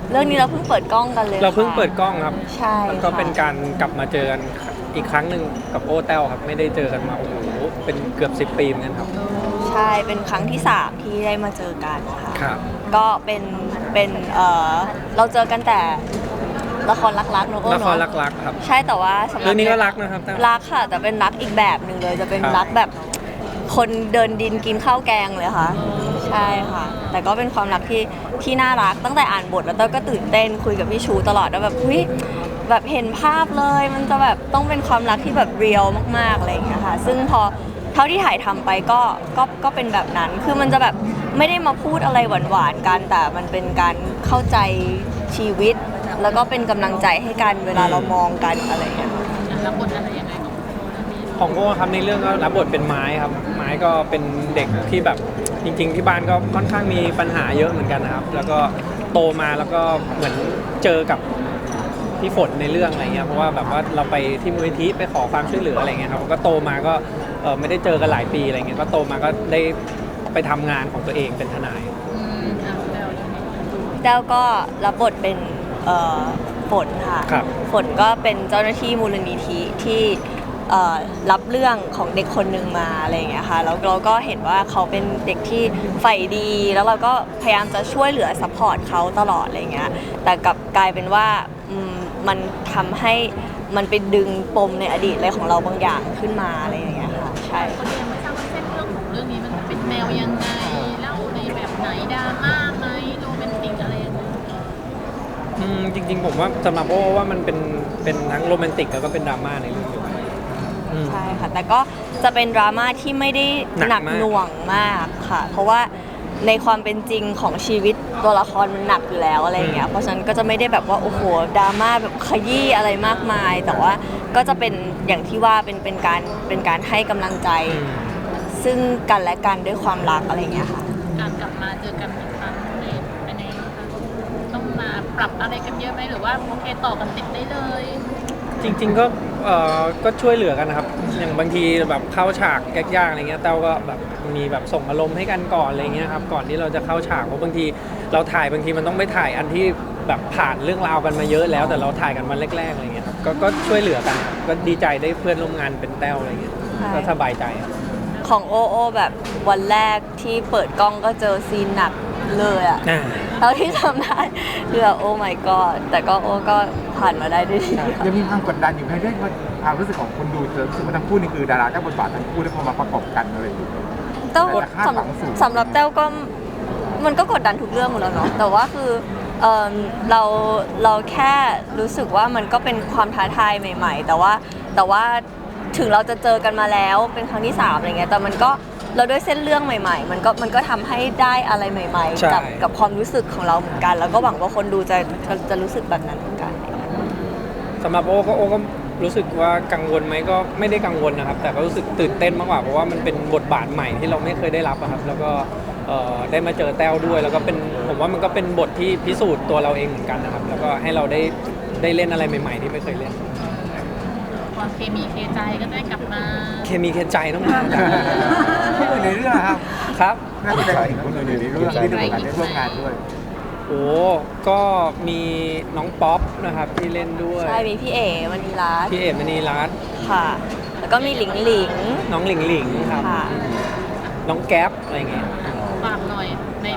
เรื่องนี้เราเพิ่งเปิดกล้องกันเลยเราเพิ่งเปิดค่ะกล้องครับใช่แล้วก็ค่ะเป็นการกลับมาเจอกันอีกครั้งหนึ่งกับโอแต้วครับไม่ได้เจอกันมาโอ้โหเป็นเกือบ10 ปีเหมือนกันครับใช่เป็นครั้งที่3ที่ได้มาเจอกันค่ะครับก็เป็นเราเจอกันแต่ละครรักๆเนอะโอ้ละเนครอะรักๆครับใช่แต่ว่าสำหรับเรื่องนี้ก็รักนะครับแต้วรักค่ะ แต่เป็นรักอีกแบบหนึ่งเลย จะเป็นครับรักแบบคนเดินดินกินข้าวแกงเลยค่ะ ใช่ค่ะ แต่ก็เป็นความรักที่น่ารักตั้งแต่อ่านบทแล้วเต้ยก็ตื่นเต้นคุยกับพี่ชูตลอดว่าแบบเฮ้ยแบบเห็นภาพเลยมันจะแบบต้องเป็นความรักที่แบบเรียลมากๆอะไรอย่างเงี้ยค่ะซึ่งพอเท่าที่ถ่ายทำไปก็เป็นแบบนั้นคือมันจะแบบไม่ได้มาพูดอะไรหวานๆกันแต่มันเป็นการเข้าใจชีวิต แล้วก็เป็นกำลังใจให้กันเวลาเรามองกันอะไรอย่างเงี้ยรับบทอะไรยังไงของโอเรื่องนี้ของโอ้ครับในเรื่องก็รับบทเป็นไม้ครับไม้ก็เป็นเด็กที่แบบจริง ๆ ที่บ้านก็ค่อนข้างมีปัญหาเยอะเหมือนกันนะครับ แล้วก็โตมาแล้วก็เหมือนเจอกับพี่ฝนในเรื่องอะไรเงี้ยเพราะว่าแบบว่าเราไปที่มูลนิธิไปขอความช่วยเหลืออะไรเงี้ยครับก็โตมาก็ไม่ได้เจอกันหลายปีอะไรเงี้ยก็โตมาก็ได้ไปทำงานของตัวเองเป็นทนายแล้วเรื่องนี้แต้วก็รับบทเป็นฝนค่ะครับฝนก็เป็นเจ้าหน้าที่มูลนิธิที่รับเรื่องของเด็กคนหนึ่งมาอะไรอย่างเงี้ยค่ะแล้วเราก็เห็นว่าเขาเป็นเด็กที่ใฝ่ดี แล้วเราก็พยายามจะช่วยเหลือซัพพอร์ตเขาตลอดอะไรเงี้ยแต่กลับกลายเป็นว่ามันทำให้มันไปดึงปมในอดีตอะไรของเราบางอย่างขึ้นมาอะไรอย่างเงี้ยค่ะใช่คนยังไม่ทราบว่าเส้นเรื่องของเรื่องนี้มันเป็นแนวยังไงเล่าในแบบไหนดราม่าไหมโรแมนติกอะไรยังไงจริงๆผมว่าสำหรับโอ้ว่ามันเป็นทั้งโรแมนติกแล้วก็เป็นดราม่าในเรื่องเดียวกันอืมใช่ค่ะแต่ก็จะเป็นดราม่าที่ไม่ได้หนัหนักกมากหน่วงมากค่ะ เพราะว่าในความเป็นจริงของชีวิตตัวละครมันหนักอยู่แล้วอะไรอย่างเงี้ยเพราะฉะนั้นก็จะไม่ได้แบบว่าโอ้โหดราม่าแบบขยี้อะไรมากมาย แต่ว่าก็จะเป็นอย่างที่ว่าเป็นการให้กำลังใจ ซึ่งกันและกันด้วยความรักอะไรอย่างเงี้ยค่ะการกลับมาเจอกันอีกครั้งนี่เป็นยังไงบ้างคะต้องมาปรับอะไรกันเยอะไหมหรือว่าโอเคต่อกันติดได้เลยจริงๆก็ช่วยเหลือกันนะครับ อย่างบางทีแบบเข้าฉากยากๆอะไรเงี้ยเต้าก็แบบมีแบบส่งอารมณ์ให้กันก่อนอะไรเงี้ยครับก่อนที่เราจะเข้าฉากเพราะบางทีเราถ่ายบางทีมันต้องไปถ่ายอันที่แบบผ่านเรื่องราวกันมาเยอะแล้วแต่เราถ่ายกันวันแรกๆอะไรเงี้ยครับก็ช่วยเหลือกันครับก็ดีใจได้เพื่อนร่วมงานเป็นแต้วอะไรเงี้ยใช่ก็สบายใจครับของโอโอแบบวันแรกที่เปิดกล้องก็เจอซีนหนักเลยอะอ่าเท่าที่ทำได้คือแบบโอ้ my god แต่ก็โอ้ก็ผ่านมาได้ด้วยดีค่ะยังมีความกดดันอยู่ไหมเรื่องความรู้สึกของคนดูรู้สึกว่าทั้งคู่นี่คือดาราเจ้าบทบาททั้งคู่แล้วพอมาประกอบกันอะไรอย่างเงี้ยแต้วแต่คาดหวังสูงสำหรับแต้วก็มันก็กดดันทุกเรื่องอยู่แล้วเนาะแต่ว่าคือเราแค่รู้สึกว่ามันก็เป็นความท้าทายใหม่ ๆ แต่ว่าถึงเราจะเจอกันมาแล้วเป็นครั้งที่3อะไรเงี้ยแต่มันก็เราด้วยเส้นเรื่องใหม่ ๆ มันก็ทำให้ได้อะไรใหม่ใช่ๆ กับความรู้สึกของเราเหมือนกัน แล้วก็หวังว่าคนดูจะรู้สึกแบบนั้นเหมือนกันสำหรับโอ้ก็รู้สึกว่ากังวลไหมก็ไม่ได้กังวลนะครับ แต่ก็รู้สึกตื่นเต้นมากกว่าเพราะว่ามันเป็นบทบาทใหม่ที่เราไม่เคยได้รับอะครับ แล้วก็ได้มาเจอแต้วด้วย แล้วก็เป็นผมว่ามันก็เป็นบทที่พิสูจน์ตัวเราเองเหมือนกันนะครับ แล้วก็ให้เราได้เล่นอะไรใหม่ ๆ ที่ไม่เคยเล่นความเคมีเคใจก็ได้กลับมาเคมีเคใจต้องมาคนอื่นในเรื่องนะครับครับน่าจะเป็นคนอื่นในเรื่องที่ได้มีโอกาสได้ร่วมงานด้วยโอ้ก็มีน้องป๊อปนะครับที่เล่นด้วยใช่มีพี่เอ๋มณีรัตน์พี่เอ๋มณีรัตน์ค่ะ แล้วก็มีหลิงหลิงน้องหลิงหลิงครับค่ะน้องแก๊ปอะไรเงี้ยฝากหน่อยใน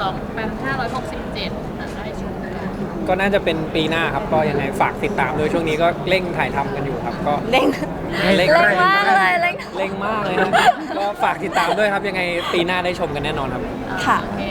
2567ได้ชมกันก็น่าจะเป็นปีหน้าครับ ก็ยังไงฝากติดตามด้วยช่วงนี้ก็เร่งถ่ายทำกันอยู่ครับ ก็เร่งเร่งเร่งมากเลยเร่งเร่งมากเลยนะก็ฝากติดตามด้วยครับ ยังไงปีหน้าได้ชมกันแน่นอนครับค่ะโอเค